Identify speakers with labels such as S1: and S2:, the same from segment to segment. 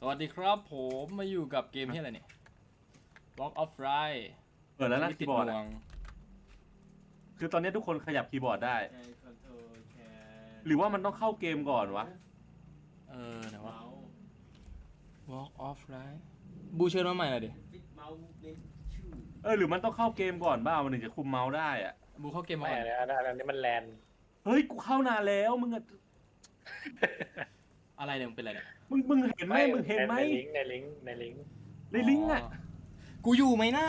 S1: สวัสดีครับผมมาอยู่กับเกมที่อะไรเนี่ย Walk of Ride
S2: เปิดแล้วนะ
S1: ที่
S2: คี
S1: ติด
S2: ย์บอร์ด
S1: ห่ว
S2: อะ
S1: ง
S2: คือตอนนี้ทุกคนขยับคีย์บอร์ดได้
S3: ใช้คอนโทรลแคร์
S2: หรือว่ามันต้องเข้าเกมก่อนวะ
S1: ไหนวะ
S3: เมาส์
S1: Walk of Ride บูเชิญมาใหม่หน่อยดิ
S3: ฟิตเมาส์เมนชู
S2: หรือมันต้องเข้าเกมก่อนบ้ามันถึงจะคุมเมาส์ได้อะ
S1: บูเข้าเกมมา
S4: ไม่
S1: ก่อน
S4: อันนี้มันแลน
S2: เฮ้ยกูเข้านานแล้วมึงอะ
S1: อะไรเนี่ยมึงเป็นอะไรเนี่ย
S2: มึงเห็นไหมมึงเห็นไหม
S4: ในลิงก์
S2: ในลิงก์อะ
S1: กูอยู่ไหมหน้า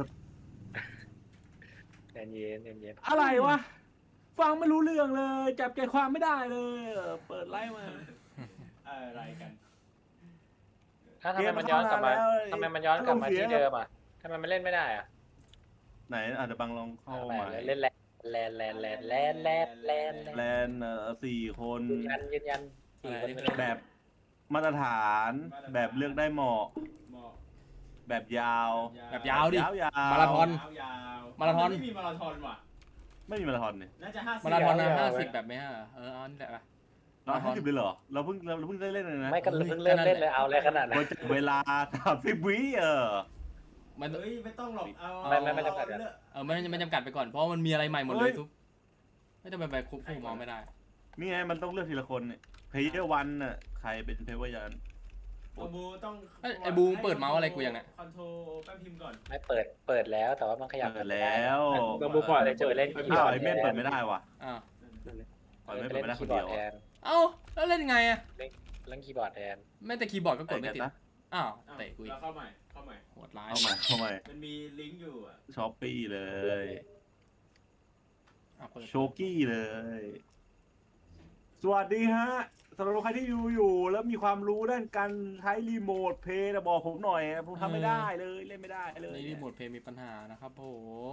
S4: เย็น
S2: อะไรวะฟังไม่รู้เรื่องเลยจับใจความไม่ได้เลยเปิดไลฟ์มา
S3: อะไรกัน
S4: ถ้าทำไมมันย้อนกลับมาทำไมมันย้อนกลับมาที่เดิมอ่ะทำไมมันเล่นไม่ได้อ่ะ
S2: ไหนอาจจะบังลองเข้าใหม่
S4: เล่นแลน
S2: แลน4 คน
S4: ยืนยัน
S2: แบบมาตรฐานแบบเลือกได้เหมาะ
S3: เหมาะ
S2: แบบยาว
S1: แบบยาวดิ
S2: ยาว
S1: มาราธอน
S3: ยาว
S1: มาราธอน
S3: ไม่มีมาราธอนว่ะ
S2: ไม่มีมาราธอนเนี่ย
S3: น่าจะ50
S1: มาราธอนนะ50แบบไม่ฮะเอานี่แหละไป
S2: เรา50เลยเหรอเราเพิ่งได้เล่นเลยนะ
S4: ไม่ก็เพิ่งเริ่มเล่นเลยเอาอะไรขนาดนั้น
S2: วันจับเวลา30 วิ
S1: มัน
S3: เฮ้ยไม่ต้องหรอกเอา
S4: ไม่จำกัดอะ
S3: เลือก
S1: มันจำกัดไปก่อนเพราะมันมีอะไรใหม่หมดเลยทุกไม่ต้องไปควบคุมมองไม่ได้
S2: นี่ไงมันต้องเลือกทีละคนเนี่ยเพย์เยอร์วันน่ะใครเป็นเพย์เยอร์วัน
S3: เอาบูต้อง
S1: ไอ้บูมเปิดเมาส์อะไรกูยังเนี่ย
S3: คอนโทรลแป๊บพิมพ์ก่อน
S4: ไม่เปิดแล้วแต่ว่ามันขยับ
S2: เปิดแล้ว
S4: ต้องบุกก่อนเลยจะไปเล่นคีย์บ
S2: อ้า
S4: อ
S2: ว
S4: ร์ด
S2: ไอเม่นเปิดไม่ได้ว่ะ
S1: อ้าว
S2: เปิดไม่ได้คนเดียว
S4: แทน
S1: เอ้าแล้วเล่นไงอะ
S4: เล่นคีย์บอร์ดแทน
S1: แม้แต่คีย์บอร์ดก็กดไม่ติด
S2: นะ
S1: อ้าวเตะกูอีก
S3: แล้วเข้าใหม่
S1: โหดร้าย
S2: เข้ามา
S3: มันมีลิงก์อยู่อ่ะ
S2: ช้อปปี้เลย
S1: เปิด
S2: โชกี้เลย สวัสดีฮะสำหรับใครที่อยู่แล้วมีความรู้ด้านการใช้รีโมทเพย์นะบอกผมหน่อยผมทำไม่ได้เลยเล่นไม่ได้เลย
S1: นี่รีโมทเพลย์มีปัญหานะครับผม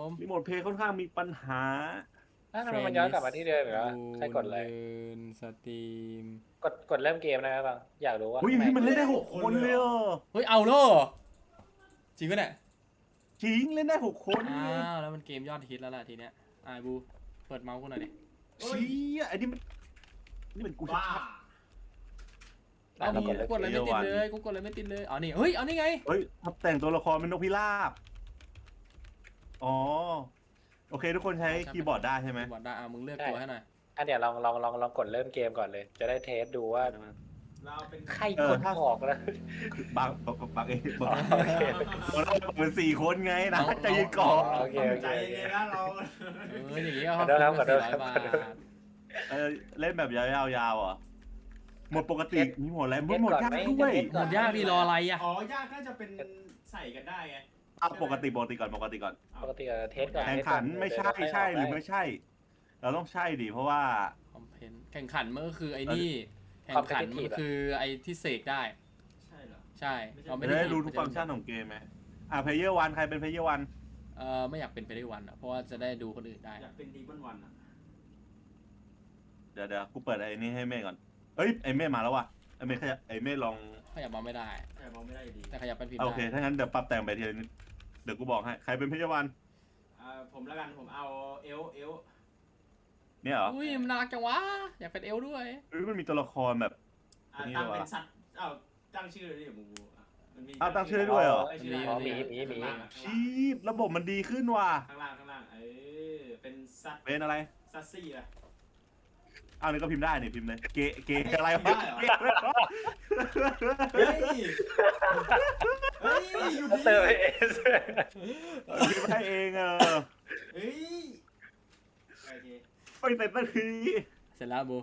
S2: รีโมทเพย์ค่อนข้างมีปัญหา
S4: ทำไมมันย้อนกลับมาที่เดิมเหรอใครกดเลย
S1: สตรีม
S4: กดเริ่มเกมนะครับบางอยากรู้ว่า
S2: เฮ้ยมันเล่นได้6 คนเลยเหรอ
S1: เฮ้ยเอาแล้วเหรอจริงปะเนี่ย
S2: จริงเล่นได้6 คน
S1: อ้าวแล้วมันเกมยอดฮิตแล้วล่ะทีเนี้ยบูเปิดเมาส์กูหน่อยดิ
S2: ชี้ไอ้นี่มันกูชั
S3: บ้า
S2: ด
S1: เอากูกดอะไรไม่ติดเลยกูกดอะไรไม่ติดเลยอ๋อนี่เฮ้ยเอานี่ไง
S2: เฮ้ยทับแต่งตัวละครเป็นนกพิราบอ๋อโอเคทุกคนใช้คีย์บอร์ดได้ใช่ไหม
S1: บอดได้มึงเลือกตัวให้หน่อย
S4: เดี๋ยวลองกดเริ่มเกมก่อนเลย จะได้เทสดูว่า
S3: เราเป็น
S4: ใครกดออกแล้ว
S2: บางเองเราเป็น4 คนไงนะใจเย็นก่อน
S4: โอเค
S3: ใจเย็นๆนะเรา
S1: อย่างงี้ก็
S4: ขอโทษครับขอโทษ
S1: 400 บาท
S2: เล่นแบบยาวๆอ่ะหมดปกติมีหมดแล้วหมดยากด้วย
S1: หมดยากดีรออะไรอ่ะ
S3: อ๋อยากน่าจะเป็นใส่กันได้ไง
S2: ปกติก่อน
S4: ปกติเทสก่อน
S2: แข่งขันไม่ใช่หรือไม่ใช่ เราต้องใช่ดิเพราะว่า
S1: คอมเพนแข่งขันมันก็คือไอ้นี่แข่งขันมันคือไอ้ที่เสกได้
S3: ใช่เหรอ
S1: ใช่เราไม่
S2: จะ
S1: ได้
S2: ได้รู้ทุกฟังก์ชันของเกมไหมเพย์เยอร์วันใครเป็นเพย์เยอร์วัน
S1: ไม่อยากเป็นไปได้วันอ่ะเพราะว่าจะได้ดูคนอื่นได้
S3: อยากเป็นดีมอนวันอ่ะ
S2: เดี๋ยวกูเปิดไอ้นี่ให้เม่ก่อนเอ้ยไอ้เม่มาแล้วว่ะไอ้เม่ลอง
S1: ขยับมาไม่ได้
S3: แต่มองไม่ได้อยู่ดี
S1: แต่ขยับเป็นพิมพ์
S2: โอเค
S1: ได้
S2: ถ้างั้นเดี๋ยวปรับแต่งไปทีละนิดเดี๋ยวกูบอกให้ใครเป็นเพย์เยอร์วัน
S3: ผมแล้วกันผมเอาเอล
S2: เนี่ยเหรอ
S1: อุ้ยมันน่ารักจังวะอยากเป็นเอลด้วย
S2: มันมีตัวละครแบบ
S3: ตั้งเป็นสัตว์ตั้งชื่อเลยดิมูมันมี
S2: ตั้งชื่อได้ด้วยเหรอ
S4: หมี
S2: ชีพระบบมันดีขึ้นว่ะ
S3: ข้างล่างเป็นสัตว์
S2: เป็นอะไร
S3: ซัสซี่อะ
S2: นี่ก็พิมพ์ได้นี่พิมพ์เลยเกอะไรวะ
S3: เฮ้ยอยู่ดี
S4: เตอร์เอส
S2: พิมพ์ให้เอง
S3: เฮ้ยโอเค
S2: ไม่เสร็จสักที
S1: เสร็จแล้วบู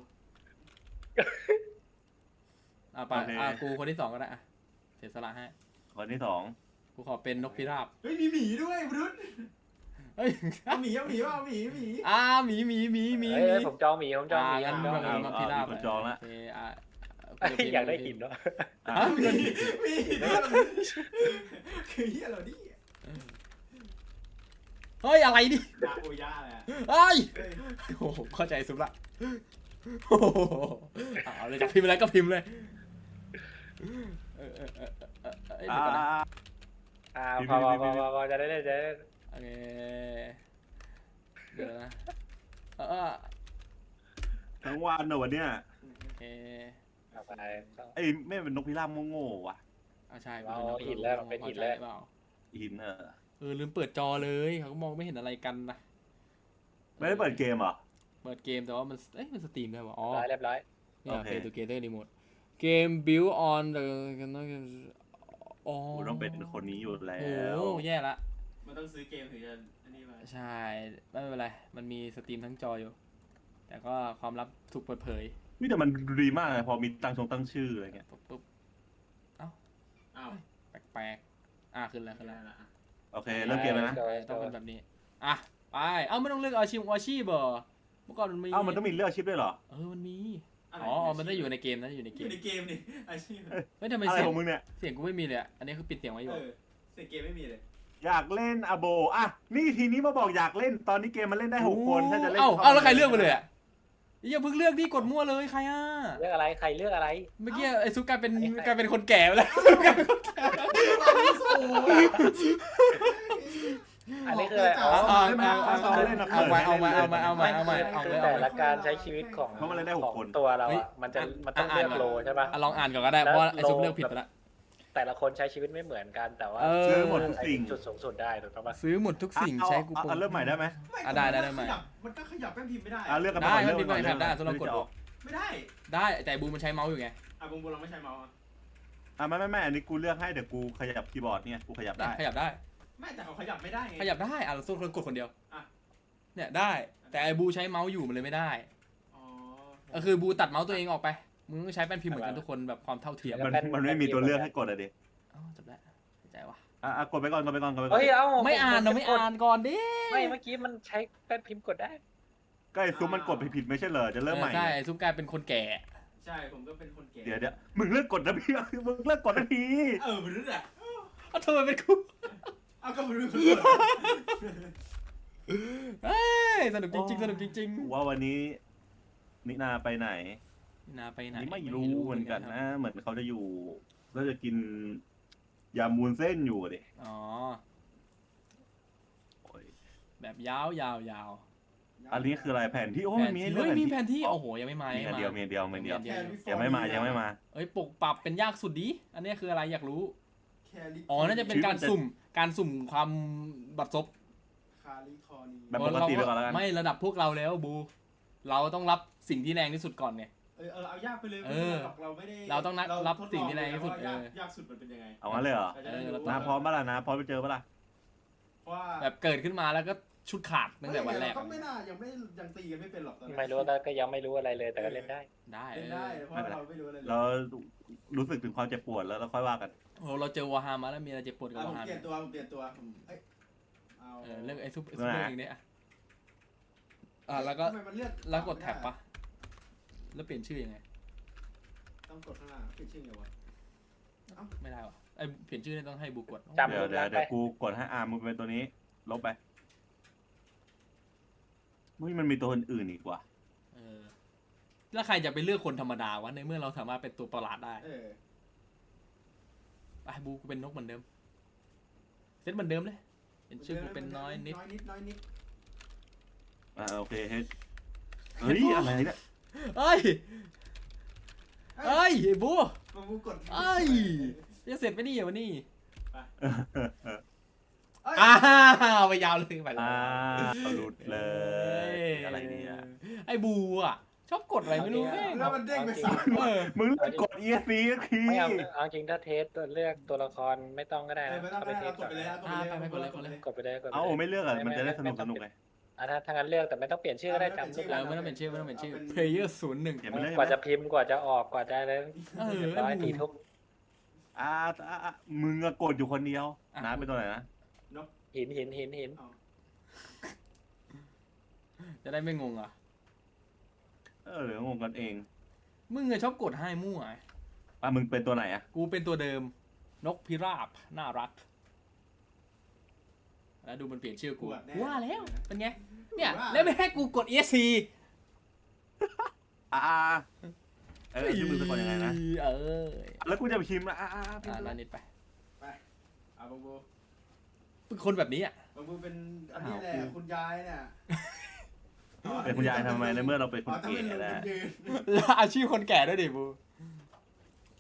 S1: ไป
S2: โอเค
S1: กูคนที่ 2ก็ได้อะเสียสละให้
S2: คนที่ 2
S1: กูขอเป็นนกพิราบ
S3: เฮ้ยมีหมีด้วยบรุษ
S1: เฮ้ย
S3: เอาหมีหมี
S1: หมี
S4: ผมจองหมี
S1: งั้นแบบนกพิราบ
S2: คนจองแล้ว
S1: โอเค
S4: อยากได้หินเนาะ
S3: หมีคือเฮียเราดิ
S1: เฮ้ยอะไรดิ
S3: ยาโอยาแหละ
S1: เฮ้ยโอ้โหเข้าใจสุดละโอ้โหเอาเลยจะพิมพ์อะไรก็พิมพ์เลย
S4: พอจะได้จะ
S1: โอเคเดี๋ยวนะ
S2: ทั้งวันเนอะวันเนี้ย
S1: โอเค
S4: เอาไป
S2: ไอ้ไม่เป็นนกพิราบโง่ๆว่ะ
S1: ใช่
S4: เอาหินแล้วเป็นหินแล้ว
S1: เปล่า
S2: หิน
S1: ลืมเปิดจอเลยเขาก็มองไม่เห็นอะไรกันนะ
S2: ไม่ได้เปิดเกมเหรอ
S1: เปิดเกมแต่ว่ามันสตรีมได้ป่ะอ๋อ
S4: เรียบร้อย
S1: เนี่ย
S2: โอเค
S1: Play Together Remote Game build on the อ๋อ
S2: กูต้องเป็นคนนี้อยู่แล้
S1: โอ้
S2: ว
S1: แย่ละ
S3: มันต้องซื้อเกมถึงจะอันนี้มา
S1: ใช่ไม่เป็นไรมันมีสตรีมทั้งจออยู่ แต่ก็ความลับถูกเปิดเผย
S2: นี่แต่มันดีมากเลยพอมีตั้งชื่ออะไรเงี้ย
S1: ปุ๊บ
S3: อ้าว
S1: แปลกขึ้นแล้ว
S3: ได้ละ
S2: โอเคเริ่มเกมแล้วนะ
S1: ต้องเป็นแบบนี้ไปไม่ต้องเลือกอาชีพเหรอเมื่อก่อนมันมี
S2: มันต้องมีเลือกชิปด้วยเหรอ
S1: มันมี
S3: ะไร
S1: มันได้อยู่ในเกมนะอยู่ใน
S3: อ
S1: เก
S3: ยู่
S1: ม
S3: ในเกมนี่อาชีพ
S1: เฮ้ยทำไม
S2: อะไร
S1: เสียง
S2: ของมึงเนี่ย
S1: เสียงกูไม่มีเลยอันนี้คือปิดเสียงไว้อยู่
S3: เสียงเกมไม่มีเลย
S2: อยากเล่นอโบนี่ทีนี้มาบอกอยากเล่นตอนนี้เกมมันเล่นได้6 คนถ้าจะเล่น
S1: แล้วใครเลือกไปเลยอย่าเพิ่งเลือกดิกดมั่วเลยใคร
S4: เลือกอะไรใครเลือกอะไร
S1: เมื่อกี้ไอ้ซุปกลายเป็นคนแก่ไปแล้ว
S4: อันนี้คืออะไรอ๋อ
S1: เอาใหม่
S4: คือแต่ละการใช้ชีวิตของ
S2: เพราะมันเล่นได้6 คน
S4: ตัวเราอ่ะมันต้องเลือกโลใช่ป่ะ
S1: ลองอ่านก่อนก็ได้เพราะไอ้ซุปเลือกผิดไปแล้ว
S4: แต่ละคนใช้ชีวิตไม่เหมือนกันแต่ว่า
S2: ซื้อหมดทุกสิ่ง
S4: จุดสูงสุดได้ถูกต้องป่ะ
S1: ซื้อหมดทุกสิ่งใช้กูโปร
S2: เริ่มใหม่ได้ไหม
S1: ได้ใหม่
S3: มันก็ขยับแป้นพิมพ์ไม่ได้
S2: เลือกกัน
S1: ได้
S2: เลื
S1: มันมี
S2: ก่อน
S1: แบบได้สำหรับกด
S3: ไม่ได้
S1: ได้แต่บูมันใช้เมาส์อยู่ไง
S3: บุงเราไม่ใช้เมาส์
S2: ไม่อันนี้กูเลือกให้เดี๋ยวกูขยับคีย์บอร์ดเนี่ยกูขยับได้
S1: ขยับได้
S3: ไม่แต่เขาขยับไม่ได้ไง
S1: ขยับได้เราสู้คนกดคนเดียว
S3: อ่ะ
S1: เนี่ยได้ แต่ไอ้บูใช้เมาส์อยู่มันเลยไม่ได้
S3: อ๋อ
S1: ก็คือบูตัดเมาส์ตัวเองออกไปมึงต้องใช้แป้นพิมพ์เหมือนกันทุกคนแบบความเท่าเทียม
S2: มันไม่มีตัวเลือกให้กดอะดิ
S1: จบแล้วเข้าใจวะ
S2: กดไปก่อน
S4: เฮ้ยเอ้า
S1: ไม่อ่านก่อนดิ
S4: ไม่เมื่อกี้มันใช้แป้นพิมพ์กดได้
S2: ก็ไอ้ซุปมันกดผิดไม่ใช่เหรอจะเริ่มใหม่
S1: ใช่ไอ้ซุปกลายเป็นคนแก่
S3: ใช่ผมก็เป็นคนแก่
S2: เดี๋ยวมึงเลิกกดนะพี่มึงเลิกกดนะพี่
S3: มันรู้แหละ
S1: ทำไมเป็นกู
S3: ก็ไม่รู้
S1: สนุกจริง
S2: ว่าวันนี้นินาไปไหน
S1: นาไปไหน
S2: นี่ไม่รู้เหมือนกันนะเหมือนเขาจะอยู่แล้วจะกินยำมูนเส้นอยู่ดิ
S1: อ๋อ
S2: โอ้ย
S1: แบบยาว
S2: อันนี้คืออะไรแผนที่โอ้มันมีให้เลือก
S1: มีแผนที่โอ้โหยังไม่มา
S2: มีอันเดียวยังไม่มา
S1: เอ้ยปกปรับเป็นยากสุดดิอันนี้คืออะไรอยากรู้
S3: แคลิ
S1: น่าจะเป็นการสุ่มความบัดซบ
S3: คาลิคอนี
S2: แบบปกติไปก่อนแล้วกัน
S1: ไม่ระดับพวกเราแล้วบู เราต้องรับสิ่งที่แรงที่สุดก่อนเนี่ย
S3: เอายากไปเลยเราไม่ได้
S1: เราต้องรับสิ่งที่แรงที่สุด
S3: ยากสุดมันเป็นยังไง
S2: เอางั้นเลยเหรอนาพร้อมปะล่ะนะพร้อมไปเจอปะล่ะ
S3: ว่า
S1: แบบเกิดขึ้นมาแล้วก็ชุดขาดตั้งแต่วันแรก
S3: ก็ไม่น่ายังตีกันไม่เป็นหรอก
S4: ไม่รู้ก็ยังไม่รู้อะไรเลยแต่ก็เล่นได้
S1: ได้
S3: เล่นได้เพราะเราไม่รู้อะไรเลย
S2: เรารู้สึกถึงความเจ็บปวดแล้วเราค่อยว่ากัน
S1: โอ้เราเจอวอร์ฮามาแล้วมีอะไรเจ็บปวดกับวอร์ฮา
S3: เปลี่ยนตัวเอา
S1: เรื่องไอ้ซุปเปอร์อย่างเนี้ยแล้วกดแท็บปะแล้วเปลี่ยนชื่อยังไง
S3: ต้องกดข้างล่างเปลี่ยนชื่อไงวะ
S1: ไม่ได้วะไอเปลี่ยนชื่อเนี่ยต้องให้บูกด
S4: จำ
S2: เดี๋ยวกูกดให้มึงเป็นตัวนี้ลบไปมันมีตัวอื่นอีกว่ะ
S1: แล้วใครจะไปเลือกคนธรรมดาวะในเมื่อเราสามารถเป็นตัวประหลาดได้ไปบูกูเป็นนกเหมือนเดิมเซตเหมือนเดิมเลยเป็นชื่อกูเป็นน้อยนิด
S2: โอเคเฮ้ยอะไรเนี่ย
S1: เอ้ยไอ้บู
S3: บูกด
S1: จะเสร็จไปนี่เหรอวะนี่ ไปยาวเลยไปเลย
S2: หลุดเลยอะไรเนี่ย
S1: ไอ้บูอ่ะชอบกดอะไรไม่รู้แม่ง
S3: แล้วมันเด้งไปสาม
S2: มึงกด ESC สักที
S4: ไม่เอาจริงถ้าเทสตัวเลือกตัวละครไม่ต้องก็ได้นะ
S3: ไม่ต้องไปกดไปเลย
S4: กดไปเลย
S2: เอาไม่เลือกอ่ะมันจะได้สนุกเลย
S4: ถ้างั้นเลือกแต่ไม่ต้องเปลี่ยนชื่อก็ได้จำรูป
S1: แล้วไม่ต้องเป็นชื่อplayer 01
S4: กว่าจะพิมพ์กว่าจะออกกว่าจะอะไรร้อย4 ทุ่ม
S2: มึงกดอยู่คนเดียวนะเป็นตัวไหนนะ
S4: หิน
S1: จะได้ไม่งงอ่ะ
S2: หรืองงกันเอง
S1: มึงชอบกดให้มั่ว
S2: มึงเป็นตัวไหนอ่ะ
S1: กูเป็นตัวเดิมนกพิราบน่ารักแล้วดูมันเปลี่ยนชื่อกูว่าแล้วเป็นไงเนี่ยแล้วไม่ให้กูกด ESC
S2: ชื่อมึงเป็นคนยังไงนะแล้วกูจะไปพิมพ์นะ
S1: นั่นนิดไป
S3: บังบู
S1: เป็นคนแบบนี้อ่ะ
S3: บังบูเป็นอันนี้แหละคุณยายเนี่ย
S2: เป็นคุณยายทำไมในเมื่อเราเป็นคนเก๋แล้ว
S1: แล้วอาชีพคนแก่ด้วยดิบู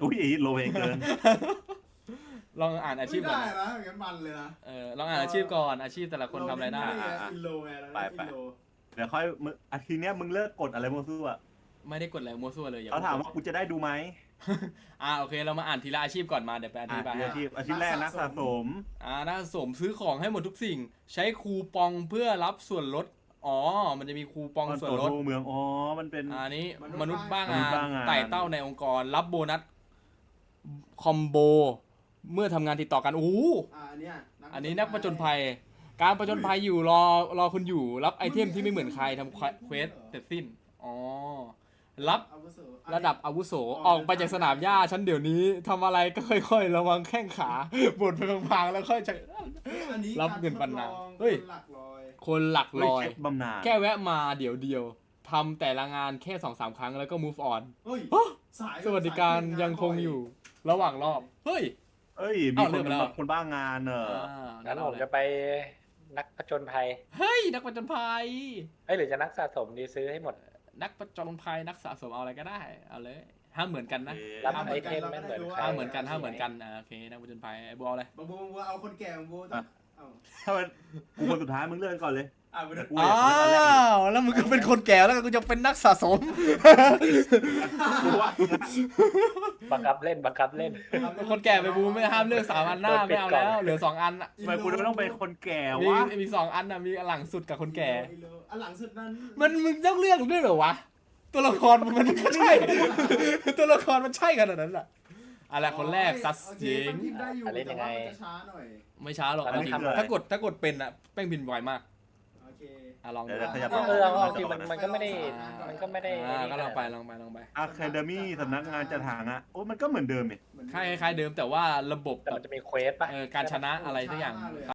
S2: อุ้ยโลเพเกิน
S1: ลองอ่านอาชีพก่อน
S5: ไม่ได้นะอย่างนั้นมันเลยนะ
S1: ลองอ่านอาชีพก่อนอาชีพแต่ละคนทำอะไรได้
S5: อินโลไงแล้วอินโล
S2: เดี๋ยวค่อยมึงอาทิตย์เนี้ยมึงเลิกกดอะไรมั่วซั่ว
S1: ไม่ได้กดอะไรมั่วซั่วเลยอย่า
S2: เขาถามว่ากูจะได้ดูไหม
S1: โอเคเรามาอ่านทีละอาชีพก่อนมาเดี๋ยวไปอธิบายให้
S2: อาชีพแรกนักสะสม
S1: นักสะสมซื้อของให้หมดทุกสิ่ง ใช้คูปองเพื่อรับส่วนลดมันจะมีคูปองส่วนลด
S2: เมืองมันเป็น
S1: อันนี้มนุษย์บ้าง
S2: มนุษย์บ้างงาน
S1: ไต่เต้าในองค์กรรับโบนัสคอมโบเมื่อทำงานติดต่อกันอันนี้นักประจนภัย การประจนภัยอยู่รอคุณอยู่รับไอเทมที่ไม่เหมือนใครทำเควสเสร็จสิ้นรับระดับอาวุโสออกไปจากสนามหญ้าฉันเดี๋ยวนี้ทำอะไรก็ค่อยๆระวังแข้งขาบดไปพังๆแล้วค่อยจะ รับเงินบรรณาเฮ้ย คนหลักลอย
S2: เช็คบำนาญ
S1: แค่แวะมาเดี๋ยวทำแต่ละงานแค่ 2-3 ครั้งแล้วก็ move on สวัสดิการยังคงอยู่ระหว่างรอบเฮ้ย
S2: มี
S1: เริ่มแล้ว
S2: คนบ้างาน
S4: งั้น
S1: งั้นเอา
S4: ผม
S1: เลย
S4: จะไปนักผจญภัย
S1: เฮ้ยนักประจนภัย
S4: หรือจะนักสะสมดีซื้อให้หมด
S1: นักประจนภัยนักสะสมเอาอะไรก็ได้เอาเลยห้ามเหมือนกันนะ
S4: รับไอเทมไม่เหมือนใคร
S1: ห้ามเหมือนกันโอเคนักประจนภัยไอ้บัวเอาเลย
S3: บางบูเอาคนแก่บางบูต้องเอา
S2: ถ้ามันกูคนสุดท้ายมึงเลื่อนก่อนเลย
S3: มาดู
S2: กูอยากเลื่อนก่อนแรก
S1: แล้วมึงก็เป็นคนแก่แล้วกูจะเป็นนักสะสม
S2: กูว่า
S4: บังคับเล่น
S1: คนแก่ไปบูไม่ห้ามเลือก3 อันหน้าไม่เอาแล้วเหลือ2 อัน
S2: ทำไมกูต้องเป็นคนแก่
S1: มี
S2: วะ
S1: มี2 อันมีอันหลังสุดกับคนแก่
S3: อันหลังสุดนั้น
S1: มึงต้องเลือกด้วยเหรอวะตัวละครมันก็ใช่ ตัวละครมันใช่ขนาดนั้นแหละอะไรคนแรกซัสเจง
S5: อะไรยังไงช้าหน่อย
S1: ไม่ช้าหรอกจริงถ้ากดเป็นแป้งบินไวมาก
S3: โอเค
S1: ลองดู
S2: เดี๋ยวขยับ
S4: เอาจริงมันก็ไม่ได้
S1: ก็ลองไป
S2: อะคาเดมี่สำนักงานจัดหางมันก็เหมือนเดิม
S1: คล้ายๆเดิมแต่ว่าระบบ
S4: แต่
S1: แบ
S4: มัน
S1: บ
S4: จะมีเควสป่ะ
S1: การชนะอะไรสักอย่าง